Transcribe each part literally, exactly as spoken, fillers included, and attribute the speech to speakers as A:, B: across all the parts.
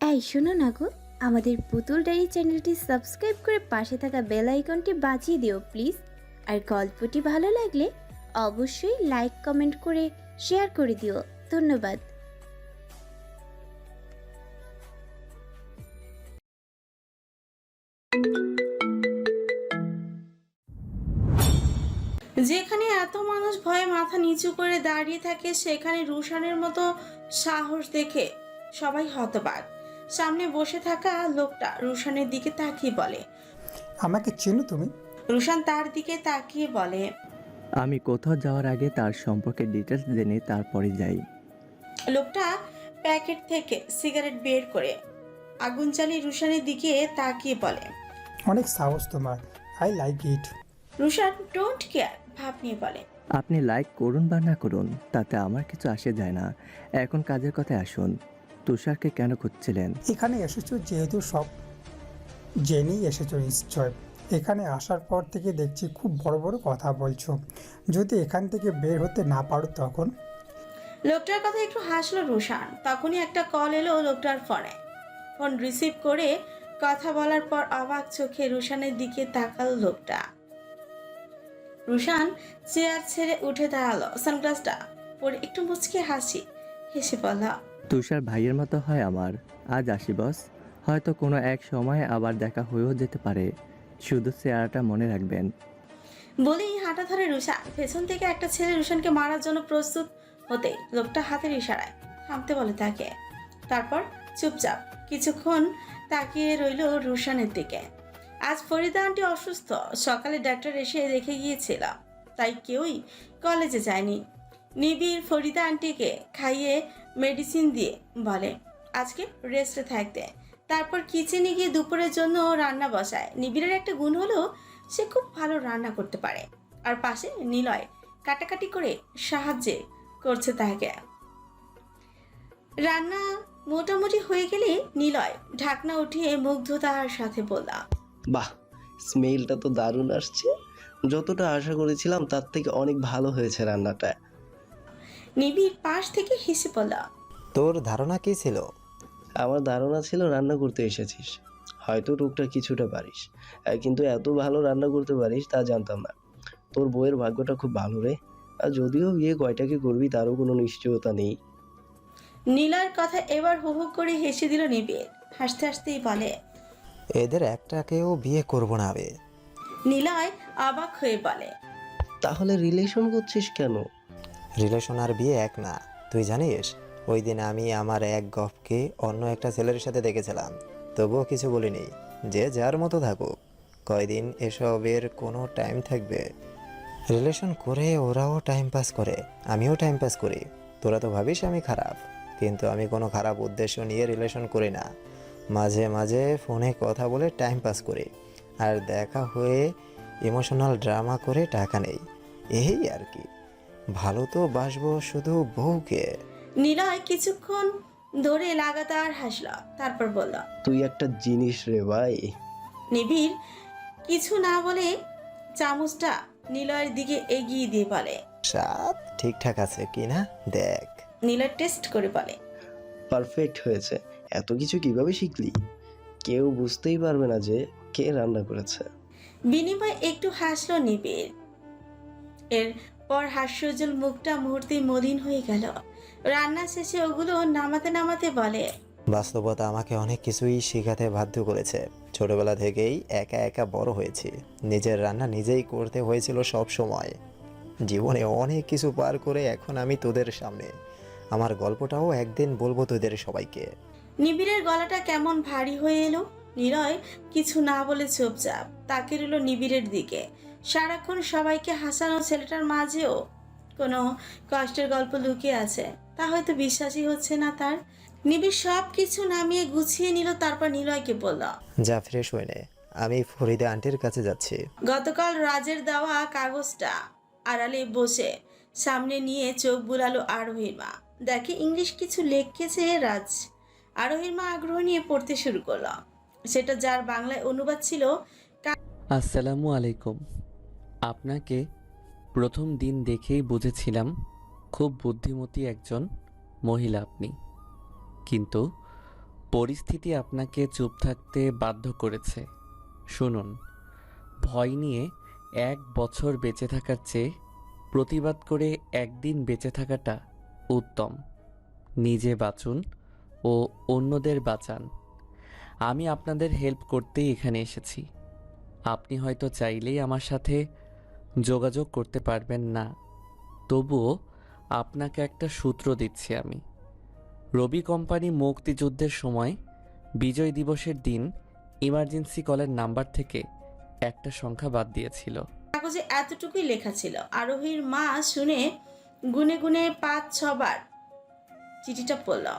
A: এই শোনো না গো, আমাদের পুতুল ডায়েরি চ্যানেলটি সাবস্ক্রাইব করে পাশে থাকা বেল আইকনটি বাজিয়ে দিও প্লিজ। আর গল্পটি ভালো লাগলে অবশ্যই লাইক কমেন্ট করে শেয়ার করে দিও। ধন্যবাদ।
B: যেখানে এত মানুষ ভয়ে মাথা নিচু করে দাঁড়িয়ে থাকে সেখানে রুশানের মতো সাহস দেখে সবাই হতবাক। সামনে বসে থাকা লোকটা রুশানের দিকে তাকিয়ে বলে।
C: আমাকে চেনো তুমি?
B: রুশান তার দিকে তাকিয়ে বলে,
D: আমি কোথাও যাওয়ার আগে তার সম্পর্কে ডিটেলস জেনে তারপরে যাই।
B: লোকটা প্যাকেট থেকে সিগারেট বের করে আগুন জ্বালিয়ে রুশানের দিকে তাকিয়ে বলে।
C: অনেক সাহস তোমার, I like it.
B: Rushan don't care ভাব নিয়ে বলে,
D: আপনি লাইক করুন বা না করুন তাতে আমার কিছু আসে যায় না। এখন কাজের কথায় আসুন। তুষারকে কেন খুঁজছিলেন?
C: এখানে এসেছো যেহেতু সব জেনেই এসেছো নিশ্চয়। এখানে আসার পর থেকে দেখছি খুব বড় বড় কথা বলছো। যদি এখান থেকে বের হতে না পারো তখন?
B: লোকটার কথা একটু হাসলো রুশান। তখনই একটা কল এলো লোকটার ফোনে। ফোন রিসিভ করে কথা বলার পর অবাক চোখে রুশানের দিকে তাকালো লোকটা। রুশান চেয়ার ছেড়ে উঠে দাঁড়ালো, সানগ্লাসটা পরে একটু মুচকে হাসি হেসে বলল,
D: তুষার ভাইয়ের মতো হয় আমার। আজ আসি বস, হয়তো কোনো এক সময় আবার দেখা হয়েও যেতে পারে। শুধু চেহারাটা মনে রাখবেন।
B: বলেই হাঁটা ধরে রুশান। পেছন থেকে একটা ছেলে রুশানকে মারার জন্য প্রস্তুত হতে লোকটা হাতের ইশারায় থামতে বলে তাকে। তারপর চুপচাপ কিছুক্ষণ তাকিয়ে রইল রুশানের দিকে। আজ ফরিদা আন্টি অসুস্থ, সকালে ডাক্তার এসে দেখে গিয়েছিল, তাই কেউই কলেজে যায়নি। নিবিড় ফরিদা আন্টিকে খাইয়ে মেডিসিন দিয়ে বলে আজকে রেস্টে থাকতে। তারপর কিচেনে গিয়ে দুপুরের জন্য রান্না বসায়। নিবিড়ের একটা গুণ হলো সে খুব ভালো রান্না করতে পারে। আর পাশে নিলয় কাটাকাটি করে সাহায্য করছে তাকে। রান্না মোটামুটি হয়ে গেলে নিলয় ঢাকনা উঠিয়ে মুগ্ধতার সাথে বললাম,
E: বাহ, স্মেলটা তো দারুণ আসছে। যতটা আশা করেছিলাম তার থেকে অনেক ভালো হয়েছে রান্নাটা।
B: নিবিড় পাশ থেকে হেসে বলল,
F: তোর ধারণা কী ছিল?
E: আমার ধারণা ছিল রান্না করতে এসেছিস, হয়তো টুকটাক কিছুটা পারিস, আহ, কিন্তু এত ভালো রান্না করতে পারিস তা জানতাম না। তোর বউয়ের ভাগ্যটা খুব ভালো রে। আর যদিও বিয়ে কয়টাকে করবি তারও কোনো নিশ্চয়তা নেই।
B: নিলয়ের কথা এবার হু হু করে হেসে দিল নিবিড়। হাসতে হাসতেই বলে,
F: এদের একটাকেও বিয়ে করব না বে।
B: নিলয় অবাক হয়ে বলে,
E: তাহলে রিলেশন করছিস কেন?
F: রিলেশন আর বিয়ে এক না, তুই জানিস? ওই দিন আমি আমার এক গফকে অন্য একটা ছেলের সাথে দেখেছিলাম, তবুও কিছু বলিনি। যে যার মতো থাকুক, কয়দিন এসবের কোনো টাইম থাকবে? রিলেশন করে ওরাও টাইম পাস করে, আমিও টাইম পাস করি। তোরা তো ভাবিস আমি খারাপ, কিন্তু আমি কোনো খারাপ উদ্দেশ্য নিয়ে রিলেশন করি না। মাঝে মাঝে ফোনে কথা বলে টাইম পাস করি, আর দেখা হয়ে ইমোশনাল ড্রামা করে টাকা নেই, এই আর কি। ভালো তো বাসবো শুধু বউকে।
B: নিলয় কিছুক্ষণ ধরে লাগাতার হাসল, তারপর বলল,
E: তুই একটা জিনিস রে ভাই।
B: নিবিড় কিছু না বলে চামচটা নিলয়ের দিকে এগিয়ে দিয়ে বলে,
F: স্বাদ ঠিকঠাক আছে কি না দেখ।
B: নিলয় টেস্ট করে বলে,
E: পারফেক্ট হয়েছে। এত কিছু কিভাবে শিখলি? কেউ বুঝতেই পারবে না যে কে রান্না করেছে।
B: বিনিময় একটু হাসলো নিবিড়। এরপর হাস্যজ্জ্বল মুখটা মুহূর্তেই মলিন হয়ে গেল। রান্না শেষে ওগুলো নামাতে নামাতে বলে,
F: বাস্তবতা আমাকে অনেক কিছুই শেখাতে বাধ্য করেছে। ছোটবেলা থেকেই একা একা বড় হয়েছি, নিজের রান্না নিজেই করতে হয়েছিল সব সময়। জীবনে অনেক কিছু পার করে এখন আমি তোদের সামনে। আমার গল্পটাও একদিন বলবো তোদের সবাইকে।
B: নিবিড়ের গলাটা কেমন ভারী হয়ে এলো। নিলয় কিছু না বলে চুপচাপ তাকে রইল নিবিড়ের দিকে। সারাক্ষণ সবাইকে হাসানো ছেলেটার মাঝেও কোনো কষ্টের গল্প লুকিয়ে আছে, তা হয়তো বিশ্বাসই হচ্ছে না তার। নিবিড় সব কিছু নামিয়ে গুছিয়ে নিল, তারপর নিলয়কে বলল,
F: যা ফ্রেশ হয়ে নে, আমি ফরিদা আন্টির কাছে যাচ্ছি।
B: গতকাল রাজের দেওয়া কাগজটা আড়ালে বসে সামনে নিয়ে চোখ বুলালো আরোহীর মা। দেখে ইংলিশ কিছু লিখেছে রাজ। আরোহীর মা আগ্রহ নিয়ে পড়তে শুরু করলো। সেটা যার বাংলায় অনুবাদ ছিল,
G: আসসালামু আলাইকুম। আপনাকে প্রথম দিন দেখেই বুঝেছিলাম খুব বুদ্ধিমতী একজন মহিলা আপনি, কিন্তু পরিস্থিতি আপনাকে চুপ থাকতে বাধ্য করেছে। শুনুন, ভয় নিয়ে এক বছর বেঁচে থাকার চেয়ে প্রতিবাদ করে একদিন বেঁচে থাকাটা উত্তম। নিজে বাঁচুন ও অন্যদের বাঁচান। আমি আপনাদের হেল্প করতেই এখানে এসেছি। আপনি হয়তো চাইলেই আমার সাথে যোগাযোগ করতে পারবেন না, তবুও আপনাকে একটা সূত্র দিচ্ছি আমি। রবি কোম্পানি মুক্তিযুদ্ধের সময় বিজয় দিবসের দিন ইমার্জেন্সি কলের নাম্বার থেকে একটা সংখ্যা বাদ দিয়েছিল।
B: কাগজে এতটুকুই লেখা ছিল। আরোহীর মা শুনে গুনে গুনে পাঁচ ছবার চিঠিটা পড়ল,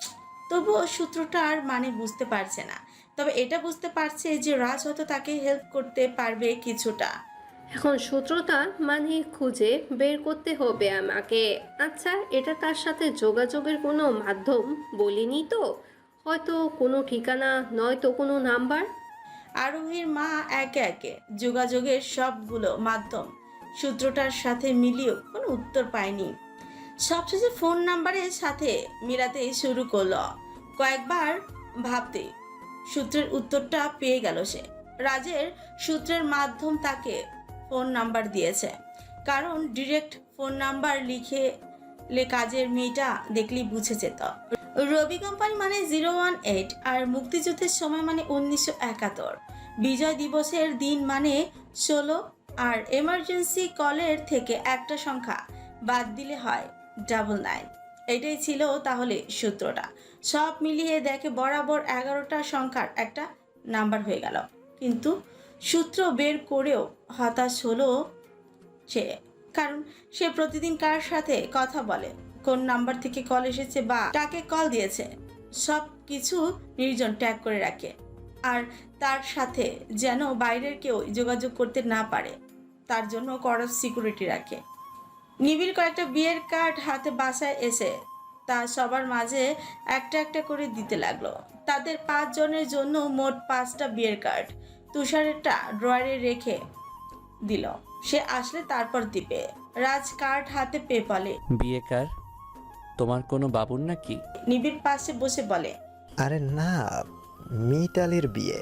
B: তবুও সূত্রটার মানে বুঝতে পারছে না। তবে এটা বুঝতে পারছে যে রাজ হয়তো তাকে হেল্প করতে পারবে কিছুটা।
H: এখন সূত্রটা মানে খুঁজে বের করতে হবে আমাকে। আচ্ছা, এটা তার সাথে যোগাযোগের কোনো মাধ্যম বলিনি তো? হয়তো কোনো ঠিকানা, নয়তো কোনো নাম্বার।
B: আরোহীর মা একে একে যোগাযোগের সবগুলো মাধ্যম সূত্রটার সাথে মিলিয়েও কোনো উত্তর পায়নি। সবশেষে ফোন নাম্বারের সাথে মিলাতে শুরু করলো। কয়েকবার ভাবতে সূত্রের উত্তরটা পেয়ে গেল সে। রাজের সূত্রের মাধ্যম তাকে ফোন নাম্বার দিয়েছে, কারণ ডিরেক্ট ফোন নাম্বার লিখে লে কাজের মেয়েটা দেখলেই বুঝে যেত। রবি কোম্পানি মানে জিরো ওয়ান এইট, আর মুক্তিযুদ্ধের সময় মানে উনিশশো একাত্তর, বিজয় দিবসের দিন মানে ষোলো, আর এমার্জেন্সি কলের থেকে একটা সংখ্যা বাদ দিলে হয় ডাবল নাইন। এটাই ছিল তাহলে সূত্রটা। সব মিলিয়ে দেখে বরাবর এগারোটা সংখ্যার একটা নাম্বার হয়ে গেল। কিন্তু সূত্র বের করেও হতাশ হলো সে, কারণ সে প্রতিদিন কার সাথে কথা বলে, কোন নাম্বার থেকে কল এসেছে বা কাকে কল দিয়েছে, সব কিছু নির্জন ট্যাগ করে রাখে। আর তার সাথে যেন বাইরের কেউ যোগাযোগ করতে না পারে, তার জন্য কড়া সিকিউরিটি রাখে। নিবিড় কয়েকটা বিয়ের কার্ড হাতে বাসায় এসে তা সবার মাঝে একটা একটা করে দিতে লাগলো। তাদের পাঁচজনের জন্য মোট পাঁচটা বিয়ের কার্ড তুষারেরটা ড্রয়ারে রেখে দিল। সে আসলে তারপর দিবে। রাজ কার্ড হাতে পেয়ে বলে,
G: বিয়ে কার? তোমার কোনো বাবুর নাকি?
B: নিবিড় পাশে বসে বলে,
F: আরে না, মিতালির বিয়ে।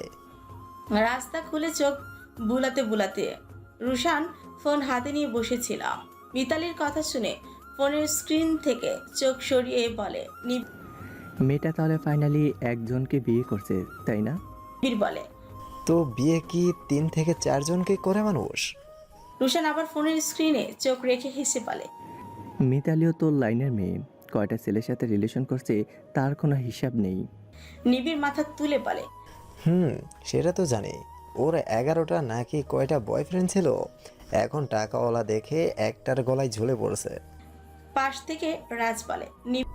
B: রাস্তা খুলে চোখ বুলাতে বুলাতে রুশান ফোন হাতে নিয়ে বসেছিল। মিতালির কথা শুনে ফোনের স্ক্রিন থেকে চোখ সরিয়ে বলে,
D: মেয়েটা তাহলে ফাইনালি একজনকে বিয়ে করছে, তাই না?
B: নিবিড় বলে।
F: তো বিয়ে কি তিন থেকে চারজনকে করে মানুষ?
B: রুশান আবার ফোনের স্ক্রিনে চোখ রেখে হেসে বলে,
D: মিতালিও তোর লাইনের মেয়ে, কয়টা ছেলের সাথে রিলেশন করছে তার কোনো হিসাব নেই।
B: নিবিড় মাথা তুলে বলে,
F: হুম, সেটা তো জানি। ওর এগারোটা নাকি কয়টা বয়ফ্রেন্ড ছিল, এখন টাকাওয়ালা দেখে একটার গলায় ঝুলে পড়ছে।
B: পাশ থেকে রাজ বলে,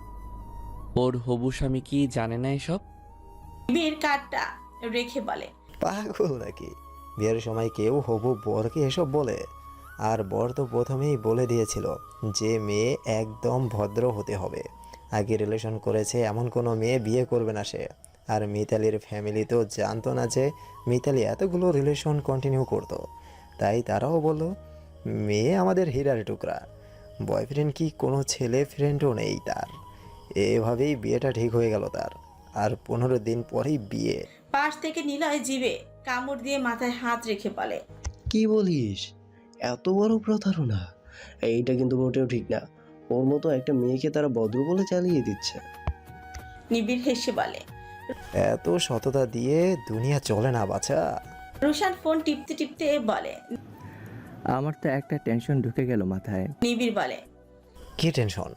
G: ওর হবু স্বামী কি জানে না এসব?
B: নিবিড় কার্ডটা রেখে বলে,
F: পাগল নাকি? বিয়ের সময় কেউ হবু বরকে এসব বলে? আর বর তো প্রথমেই বলে দিয়েছিল যে মেয়ে একদম ভদ্র হতে হবে, আগে রিলেশন করেছে এমন কোনো মেয়ে বিয়ে করবে না সে। আর মিতালির ফ্যামিলি তো জানতো না যে মিতালি এতগুলো রিলেশন কন্টিনিউ করতো, তাই তারাও বলল মেয়ে আমাদের হীরার টুকরা, বয়ফ্রেন্ড কি কোনো ছেলে ফ্রেন্ডও নেই তার। এভাবেই বিয়েটা ঠিক হয়ে গেল তার। আর পনেরো দিন পরেই বিয়ে।
B: পাশ থেকে নিলয় জিভে কামড় দিয়ে মাথায় হাত রেখে বলে,
E: কি বলিস? এত বড় প্রতারণা! এইটা কিন্তু মোটেও ঠিক না। ওর মতো একটা মেয়েকে তারা ভদ্র বলে চালিয়ে দিচ্ছে।
B: নিবিড় হেসে বলে।
F: এত সততা দিয়ে দুনিয়া চলে না বাছা।
B: রুশান ফোন টিপতে টিপতে বলে,
D: আমার তো একটা টেনশন ঢুকে গেল মাথায়।
B: নিবিড় বলে,
F: কি টেনশন?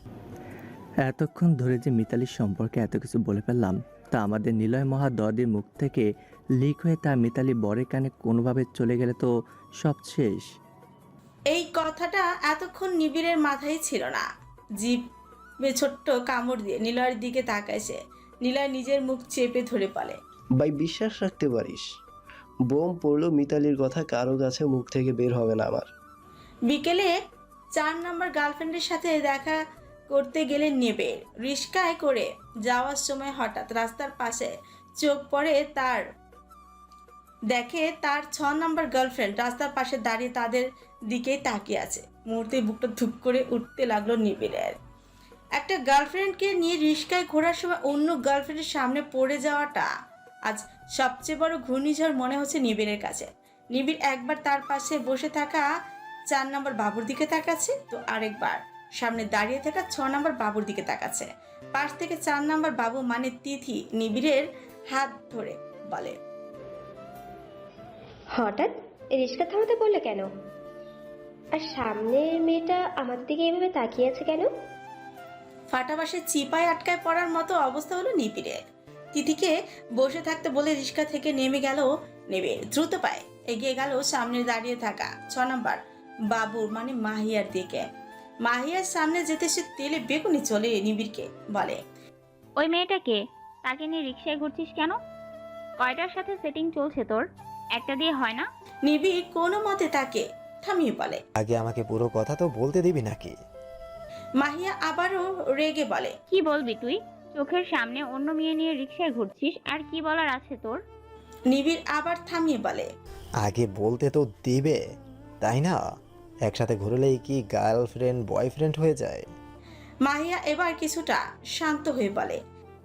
D: এতক্ষণ ধরে যে মিতালির সম্পর্কে এত কিছু বলে ফেললাম, তা আমাদের নিলয় মহা দদির মুখ থেকে লিক হয়ে তা মিতালি বরের কানে কোনোভাবে চলে গেলে তো সব শেষ।
B: এই কথাটা এতক্ষণ নিবিড়ের মাথায় ছিল না। জিভে ছোট্ট কামড় দিয়ে নিলয়ের দিকে তাকায় সে। নিলয় নিজের মুখ চেপে ধরে বলে,
E: ভাই, বিশ্বাস রাখতে পারিস? বোম পড়লো মিতালির কথা কারো কাছে মুখ থেকে বের হবে না আমার।
B: বিকেলে চার নাম্বার গার্লফ্রেন্ডের সাথে দেখা করতে গেলে নেবে রিস্কায় করে যাওয়ার সময় হঠাৎ রাস্তার পাশে চোখ পড়ে তার। দেখে তার ছ নাম্বার গার্লফ্রেন্ড রাস্তার পাশে দাঁড়িয়ে তাদের দিকেই তাকিয়ে আছে। মুহূর্তে বুকটা ধুপ করে উঠতে লাগলো নিবিড়ের। একটা গার্লফ্রেন্ডকে নিয়ে রিস্কায় ঘোরার সময় অন্য গার্লফ্রেন্ডের সামনে পড়ে যাওয়াটা আজ সবচেয়ে বড় ঘূর্ণিঝড় মনে হচ্ছে নিবিড়ের কাছে। নিবিড় একবার তার পাশে বসে থাকা চার নম্বর বাবুর দিকে তাকাচ্ছে, তো আরেকবার সামনে দাঁড়িয়ে থাকা ছ নম্বর বাবুর দিকে তাকাচ্ছে। পাশ থেকে চার নম্বর বাবু মানে তিথি নিবিড়ের হাত ধরে বলে,
I: হঠাৎ রিস্কা থামাতে বললে কেন? আর সামনের মেয়েটা আমার দিকে এভাবে তাকিয়ে আছে কেন?
B: ফাটাবাসে চিপায় আটকায় পড়ার মতো অবস্থা হলো নিবিড়ের। তিথিকে বসে থাকতে বলে রিস্কা থেকে নেমে গেল নিবিড়। দ্রুত পায়ে এগিয়ে গেল সামনে দাঁড়িয়ে থাকা ছ নম্বর বাবুর মানে মাহিয়ার দিকে। মাহিয়ার সামনে যেতে সে তেলে বেগুনি চলে নিবিড়কে বলে,
J: ওই মেয়েটাকে, তাকে নিয়ে রিক্সায় ঘুরছিস কেন? কয়টার সাথে সেটিং চলছে তোর? একটা দিয়ে হয় না?
B: নিবিড় কোনো মতে তাকে থামিয়ে বলে।
F: আগে আমাকে পুরো কথা তো বলতে দিবি নাকি?
B: মাহিয়া আবারও রেগে বলে,
J: কি বলবি তুই? চোখের সামনে অন্য মেয়ে নিয়ে রিক্সায় ঘুরছিস, আর কি বলার আছে তোর?
B: নিবিড় আবার থামিয়ে বলে,
F: আগে বলতে তো দিবে, তাই না? একসাথে ঘুরলেই কি গার্লফ্রেন্ড বয়ফ্রেন্ড হয়ে যায়?
B: মাহিয়া এবার কিছুটা শান্ত হয়ে বলে,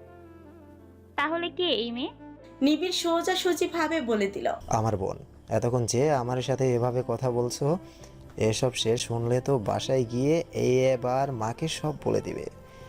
J: তাহলে কে এই মেয়ে?
B: নিবিড় সোজাসুজি ভাবে বলে দিল,
F: আমার বোন। এতক্ষণ যে আমার সাথে এভাবে কথা বলছো, এসব শেষ শুনলে তো বাসায় গিয়ে এই এবার মাকে সব বলে দিবে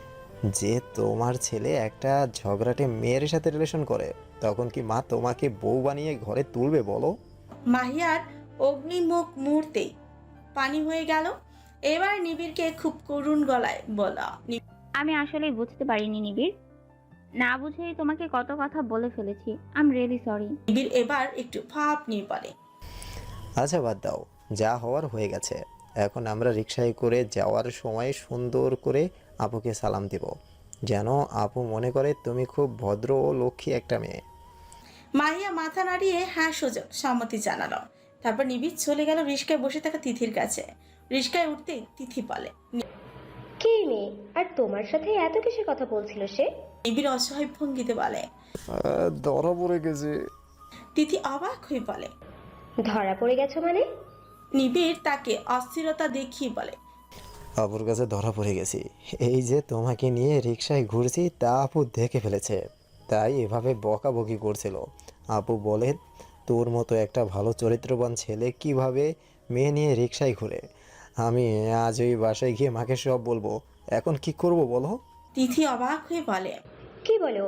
F: যে তোমার ছেলে একটা ঝগড়াটে মেয়ের সাথে রিলেশন করে। তখন কি মা তোমাকে বউ বানিয়ে ঘরে তুলবে বলো?
B: মাহিয়ার অগ্নিমুখ মুহূর্তেই পানি হয়ে গেল। এবার নিবিড়কে খুব করুণ গলায় বলা,
J: আমি আসলেই বুঝতে পারিনি নিবিড়, না বুঝেই তোমাকে কত কথা বলে ফেলেছি। I am really sorry.
B: Nibir এবার একটু ভাব নিয়ে বলে,
F: আচ্ছা বাদ দাও, যা হওয়ার হয়ে গেছে। এখন আমরা রিকশায় করে যাওয়ার সময় সুন্দর করে আপুকে সালাম দিব, যেন আপু মনে করে তুমি খুব ভদ্র ও লক্ষ্মী একটা মেয়ে।
B: মাহিয়া মাথা নাড়িয়ে হ্যাঁ সোজা সম্মতি জানালো। তারপর নিবিড় চলে গেল রিস্কায় বসে থাকা তিথির কাছে। রিস্কায় উঠতে তিথি বলে,
I: কে মেয়ে? আর তোমার সাথে এত কিসের কথা বলছিল সে?
B: নিবিড় অসহায় ভঙ্গিতে বলে,
F: ধরা পড়ে গেছে।
B: তিথি অবাক হয়ে বলে,
I: ধরা পড়ে গেছো মানে?
B: নিবিড় তাকে অস্থিরতা দেখিয়ে বলে,
F: আপুর কাছে ধরা পড়ে গেছি। এই যে তোমাকে নিয়ে রিকশায় ঘুরছি তা আপু দেখে ফেলেছে, তাই এভাবে বকাবকি করছিল। আপু বলে তোর মতো একটা ভালো চরিত্রবান ছেলে কিভাবে মেয়ে নিয়ে রিকশায় ঘুরে। আমি আজ ওই বাসায় গিয়ে মাকে সব বলবো। এখন কি করব বলো?
B: তিথি অবাক হয়ে বলে,
I: কি বলো?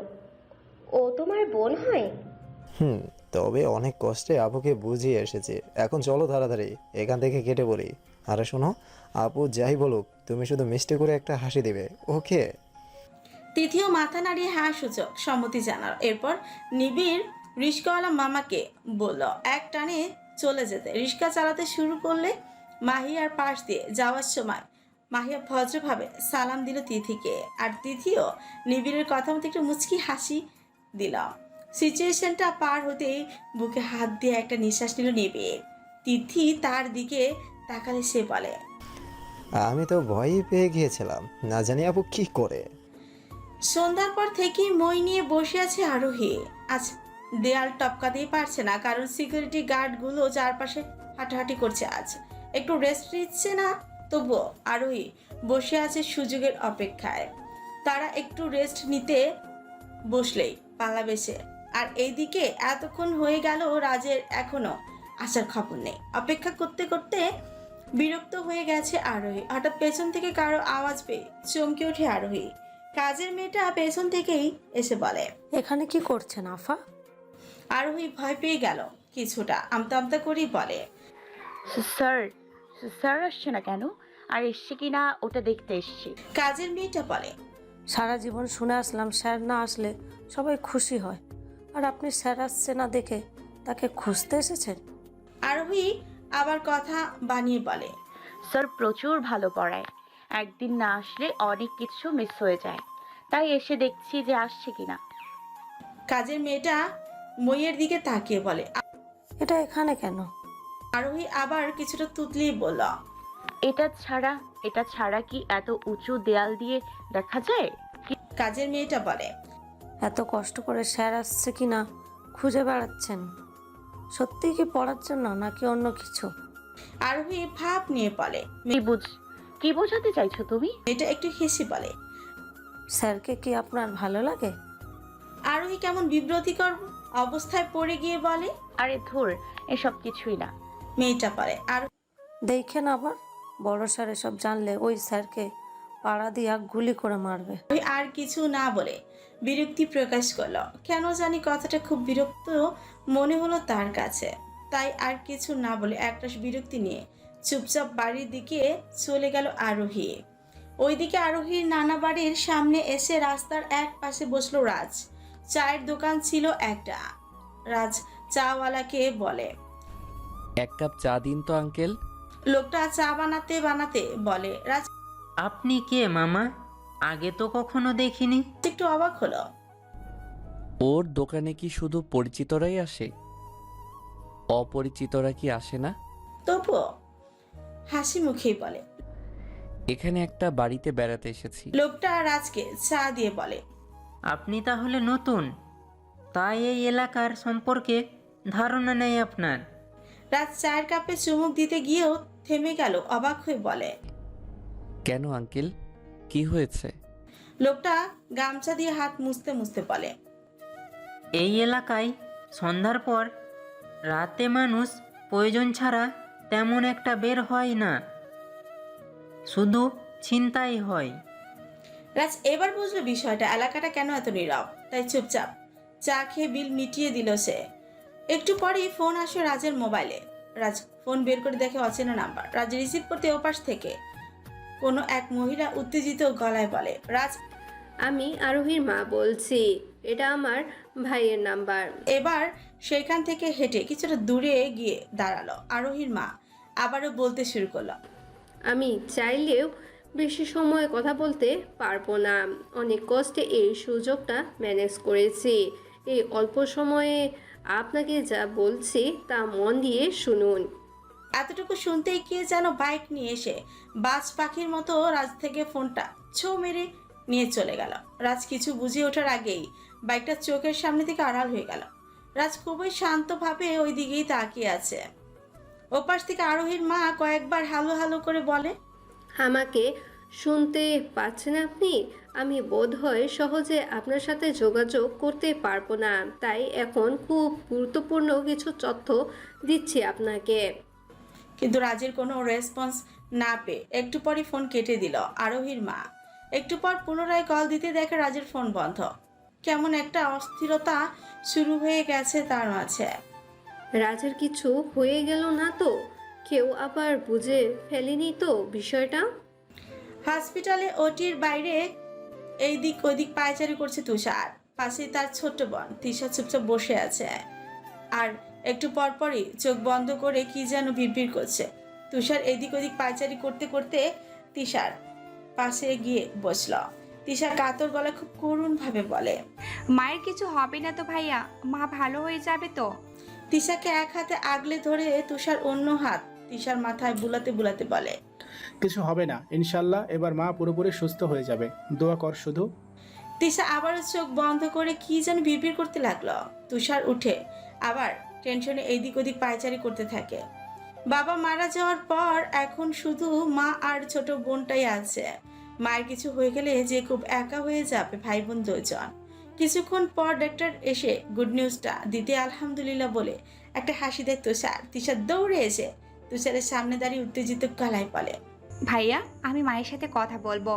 I: ও তোমার বোন হয়?
F: হুম, তবে অনেক কষ্টে আপুকে বুঝিয়ে এসেছে। এখন চলো তাড়াতাড়ি এখান থেকে কেটে পড়ি। আরে শোনো, আপু যাই বলুক তুমি শুধু মিষ্টি করে একটা হাসি দিবে, ওকে?
B: তিথিও মাথা নাড়িয়ে হ্যাঁ সূচক সম্মতি জানাল। এরপর নিবিড় রিস্কাওয়ালা মামাকে বলল এক টানে চলে যেতে। রিস্কা চালাতে শুরু করলে মাহিয়ার পাশ দিয়ে যাওয়ার সময় মাহিয়া ভদ্রভাবে সালাম দিল তিথিকে, আর তিথিও নিবিড়ের কথা মতো একটু মুচকি হাসি দিল। সিচুয়েশনটা পার হতেই বুকে হাত দিয়ে একটা নিঃশ্বাস নিল নিবিড়। তিথি তার দিকে তাকালে সে বলে,
F: আমি তো ভয়ই পেয়ে গিয়েছিলাম, না জানি আপু কি করে।
B: সন্ধ্যার পর থেকেই মই নিয়ে বসে আছে আরোহী। আজ দেয়াল টপকাতেই পারছে না, কারণ সিকিউরিটি গার্ডগুলো চারপাশে হাঁটাহাঁটি করছে। আজ একটু রেস্ট নিচ্ছে না, তবুও আরোহী বসে আছে সুযোগের অপেক্ষায়। তারা একটু রেস্ট নিতে বসলেই পালাবে সে। আর এইদিকে এতক্ষণ হয়ে গেল রাজের এখনো আসার খবর নেই। অপেক্ষা করতে করতে বিরক্ত হয়ে গেছে আরোহী। হঠাৎ পেছন থেকে কারো আওয়াজ পেয়ে চমকে ওঠে আরোহী। কাজের মেয়েটা পেছন থেকেই এসে বলে,
K: এখানে কি করছেন আফা?
B: আরোহী ভয় পেয়ে গেল কিছুটা, আমতা আমতা করেই বলে,
L: স্যার স্যার আসছে না কেন? আর এসছে কি না ওটা দেখতে এসছি।
B: কাজের মেয়েটা বলে,
K: সারা জীবন শুনে আসলাম স্যার না আসলে সবাই খুশি হয়, আর আপনি স্যার আসছে না দেখে তাকে খুঁজতে এসেছেন?
B: আরোহী আবার কথা বানিয়ে বলে,
L: স্যার প্রচুর ভালো পড়ায়, একদিন না আসলে অনেক কিছু মিস হয়ে যায়, তাই এসে দেখছি যে আসছে কিনা।
B: কাজের মেয়েটা মইয়ের দিকে তাকিয়ে বলে,
K: এটা এখানে কেন?
B: আরোহী আবার কিছুটা তুতলিয়ে বলল,
L: এটা ছাড়া এটা ছাড়া কি এত উঁচু দেয়াল দিয়ে দেখা যায়?
B: কাজের মেয়েটা বলে,
K: এত কষ্ট করে স্যার আসছে কিনা খুঁজে বেড়াচ্ছেন, সত্যি কি পড়ার জন্য নাকি অন্য কিছু?
B: আরোহী ভাব নিয়ে বলে,
L: কি বুঝ কি বোঝাতে চাইছো তুমি?
B: মেয়েটা একটু হেসে বলে,
K: স্যারকে কি আপনার ভালো লাগে?
B: আরোহী কেমন বিব্রতিকর অবস্থায় পড়ে গিয়ে বলে।
L: আরে ধুর, এসব কিছুই না।
B: মেয়েটা পারে আর
K: দেখেন আবার বড় স্যার এসব জানলে ওই স্যারকে পাড়া দিয়া গুলি করে মারবে।
B: ওই আর কিছু না বলে বিরক্তি প্রকাশ করলো। কেন জানি কথাটা খুব বিরক্ত মনে হলো তার কাছে, তাই আর কিছু না বলে একরাশ বিরক্তি নিয়ে চুপচাপ বাড়ির দিকে চলে গেল আরোহী। ওইদিকে আরোহীর নানা বাড়ির সামনে এসে রাস্তার এক পাশে বসলো রাজ। চায়ের দোকান ছিল একটা। রাজ চাওয়ালাকে বলে,
G: এক কাপ চা দিন তো আঙ্কেল।
B: লোকটা চা বানাতে বানাতে বলে। রাজ
M: আপনি কে মামা? আগে তো কখনো দেখিনি।
B: একটু অবাক হলো।
G: ওর দোকানে কি শুধু পরিচিতরাই আসে? অপরিচিতরা কি আসে না?
B: তবুও হাসি মুখেই বলে।
G: এখানে একটা বাড়িতে বেড়াতে এসেছি।
B: লোকটা রাজকে চা দিয়ে বলে,
M: আপনি তাহলে নতুন, তাই এই এলাকার সম্পর্কে ধারণা নেই আপনার।
B: রাজ চায়ের কাপে চুমুক দিতে গিয়েও থেমে গেল, অবাক হয়ে বলে,
G: কেন আঙ্কেল, কি হয়েছে?
B: লোকটা গামছা দিয়ে হাত মুছতে মুছতে বলে,
M: এই এলাকায় সন্ধ্যার পর রাতে মানুষ প্রয়োজন ছাড়া তেমন একটা বের হয় না, শুধু ছিনতাই হয়।
B: রাজ এবার বুঝলো বিষয়টা, এলাকাটা কেন এত নীরব। তাই চুপচাপ চা খেয়ে বিল মিটিয়ে দিল সে। একটু পরেই ফোন আসে রাজের মোবাইলে। রাজ ফোন বের করে দেখে অচেনা নাম্বার। রাজ রিসিভ করতে ওপাশ থেকে কোনো এক মহিলা উত্তেজিত গলায় বলে, রাজ
H: আমি আরোহীর মা বলছি, এটা আমার ভাইয়ের নাম্বার।
B: এবার সেখান থেকে হেঁটে কিছুটা দূরে গিয়ে দাঁড়ালো আরোহীর মা। আবারও বলতে শুরু করলো,
H: আমি চাইলেও বেশি সময় কথা বলতে পারবো না। অনেক কষ্টে এই সুযোগটা ম্যানেজ করেছি। এই অল্প সময়ে আপনাকে যা বলছি তা মন দিয়ে শুনুন।
B: এতটুকু শুনতেই কে যেন বাইক নিয়ে এসে বাজ পাখির মতো রাজ থেকে ফোনটা ছো মেরে নিয়ে চলে গেল। রাজ কিছু বুঝে ওঠার আগেই বাইকটা চোখের সামনে থেকে আড়াল হয়ে গেল। রাজ খুবই শান্তভাবে ওই দিকেই তাকিয়ে আছে। ওপাশ থেকে আরোহীর মা কয়েকবার হালো হালো করে বলে,
H: আমাকে শুনতে পাচ্ছেন আপনি? আমি বোধহয় সহজে আপনার সাথে যোগাযোগ করতে পারবো না, তাই এখন খুব গুরুত্বপূর্ণ কিছু তথ্য দিচ্ছি আপনাকে।
B: কিন্তু রাজের কোনো রেসপন্স না পেয়ে একটু পরই ফোন কেটে দিল আরোহীর মা। একটু পর পুনরায় কল দিতে দেখে রাজের ফোন বন্ধ। কেমন একটা অস্থিরতা শুরু হয়ে গেছে তার মাঝে।
H: রাজের কিছু হয়ে গেল না তো? কেউ আবার বুঝে ফেলেনি তো বিষয়টা?
B: হসপিটালে ওটির বাইরে এই দিক ওই দিক পায়চারি করছে তুষার। পাশে তার ছোট্ট বোন তিশা চুপচাপ বসে আছে আর একটু পরপরই চোখ বন্ধ করে কি যেন বিড়বিড় করছে। তুষার এদিক ওদিক পায়চারি করতে করতে তিশার পাশে গিয়ে বসল। তিশা কাতর গলা খুব করুণ ভাবে বলে,
N: মায়ের কিছু হবে না তো ভাইয়া? মা ভালো হয়ে যাবে তো?
B: তিশাকে এক হাতে আগলে ধরে তুষার অন্য হাত তিশার মাথায় বুলাতে বুলাতে বলে,
O: কিছু হবে না ইনশাল্লাহ, এবার মা পুরোপুরি সুস্থ হয়ে যাবে, দোয়া কর শুধু।
B: তিশা আবারও চোখ বন্ধ করে কি যেন বিড়বিড় করতে লাগলো। তুষার উঠে আবার টেনশনে এইদিক ওদিক পায়চারি করতে থাকে। বাবা মারা যাওয়ার পর এখন শুধু মা আর ছোট বোনটাই আছে। মায়ের কিছু হয়ে গেলে যে খুব একা হয়ে যাবে ভাই বোন দুজন। কিছুক্ষণ পর ডাক্তার এসে গুড নিউজটা দিতে আলহামদুলিল্লাহ বলে একটা হাসি দেয় তুষার। তিশা দৌড়ে এসে তুষারের সামনে দাঁড়িয়ে উত্তেজিত গলায় বলে,
N: ভাইয়া আমি মায়ের সাথে কথা বলবো।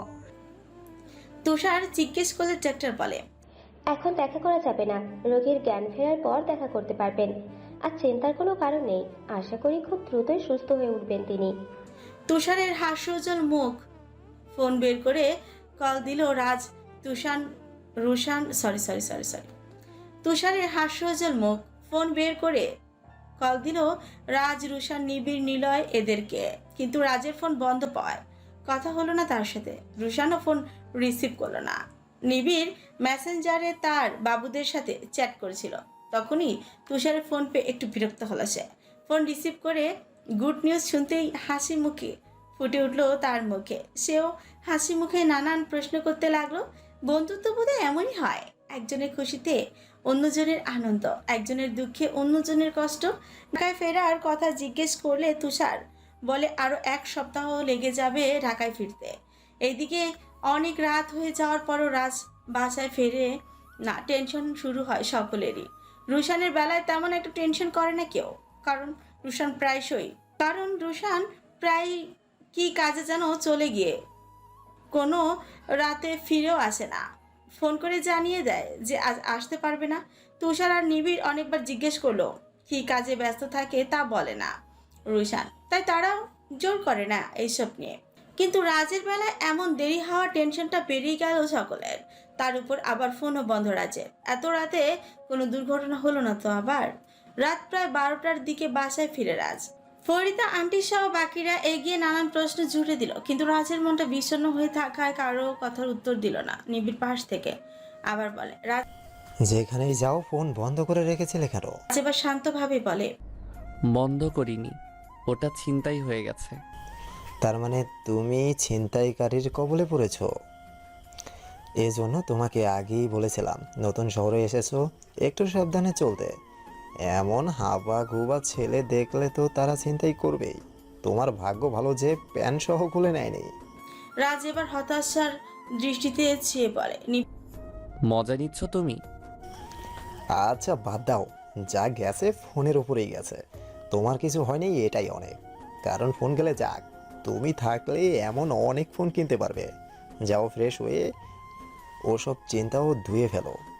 B: তুষার জিজ্ঞেস করলে ডাক্তার বলে,
I: এখন দেখা করা যাবে না, রোগীর জ্ঞান ফেরার পর দেখা করতে পারবেন। আর চিন্তার কোনো কারণ নেই, আশা করি খুব দ্রুতই সুস্থ হয়ে উঠবেন তিনি।
B: তুষারের হাস্যোজ্জ্বল মুখ। ফোন বের করে কল দিল Raj Tushan Rushan sorry sorry sorry sorry তুষারের হাস্যোজ্জ্বল মুখ। ফোন বের করে কল দিল রাজ রুশান নিবিড় নিলয় এদেরকে। কিন্তু রাজের ফোন বন্ধ পায়, কথা হলো না তার সাথে। রুশানও ফোন রিসিভ করলো না। নিবিড় মেসেঞ্জারে তার বাবুদের সাথে চ্যাট করেছিল। তখনই তুষারের ফোন পেয়ে একটু বিরক্ত হলো সে। ফোন রিসিভ করে গুড নিউজ শুনতেই হাসি মুখে ফুটে উঠলো তার মুখে। সেও হাসি মুখে নানান প্রশ্ন করতে লাগলো। বন্ধুত্ব বোধহয় এমনই হয়, একজনের খুশিতে অন্যজনের আনন্দ, একজনের দুঃখে অন্যজনের কষ্ট। ঢাকায় ফেরার কথা জিজ্ঞেস করলে তুষার বলে আরো এক সপ্তাহ লেগে যাবে ঢাকায় ফিরতে। এইদিকে অনেক রাত হয়ে যাওয়ার পরও রাজ বাসায় ফেরে না। টেনশন শুরু হয় সকলেরই। রুশানের বেলায় তেমন একটা টেনশন করে না কেউ, কারণ রুশান প্রায়শই কারণ রুশান প্রায় কি কাজে যেন চলে গিয়ে কোনো রাতে ফিরেও আসে না। ফোন করে জানিয়ে দেয় যে আজ আসতে পারবে না। তুষার আর নিবিড় অনেকবার জিজ্ঞেস করলো, কি কাজে ব্যস্ত থাকে তা বলে না রুশান, তাই তারাও জোর করে না এইসব নিয়ে। কিন্তু রাজের বেলায় এমন দেরি হওয়ার টেনশনটা বেরিয়ে গেল সকলের। তার উপর আবার ফোনও বন্ধ রাজের। এত রাতে কোনো দুর্ঘটনা হলো না তো আবার? রাত প্রায় বারোটার দিকে বাসায় ফিরে রাজ। ফরিদা আন্টি সহ বাকিরা এগিয়ে নানান প্রশ্ন জুড়ে দিল, কিন্তু রাজের মনটা বিষণ্ণ হয়ে থাকায় কারো কথার উত্তর দিল না। নিবিড় পাশ থেকে আবার বলে, রাজ
F: যেখানেই যাও ফোন বন্ধ করে রেখেছিলে কেন?
B: এবার শান্তভাবে বলে,
G: বন্ধ করিনি, ওটা ছিনতাই হয়ে গেছে।
F: তার মানে তুমি ছিনতাইকারীর কবলে পড়েছো? এজন্য তোমাকে আগেই বলেছিলাম নতুন শহরে এসেছো, একটু সাবধানে চলতে। এমন হাবা গুবা ছেলে দেখলে তো তারা ছিনতাই করবেই। তোমার ভাগ্য ভালো যে প্যান্ট সহ খুলে নেয়নি।
B: রাজ এবার হতাশার দৃষ্টিতে চেয়ে বলে,
G: মজা নিচ্ছ তুমি?
F: আচ্ছা বাদ দাও, যা গেছে ফোনের উপরেই গেছে। তোমার কিছু হয়নি, এটাই অনেক। কারণ ফোন গেলে যাক, তুমি থাকলে এমন অনেক ফোন কিনতে পারবে। যাও ফ্রেশ হয়ে ওসব চিন্তাও ধুয়ে ফেলো।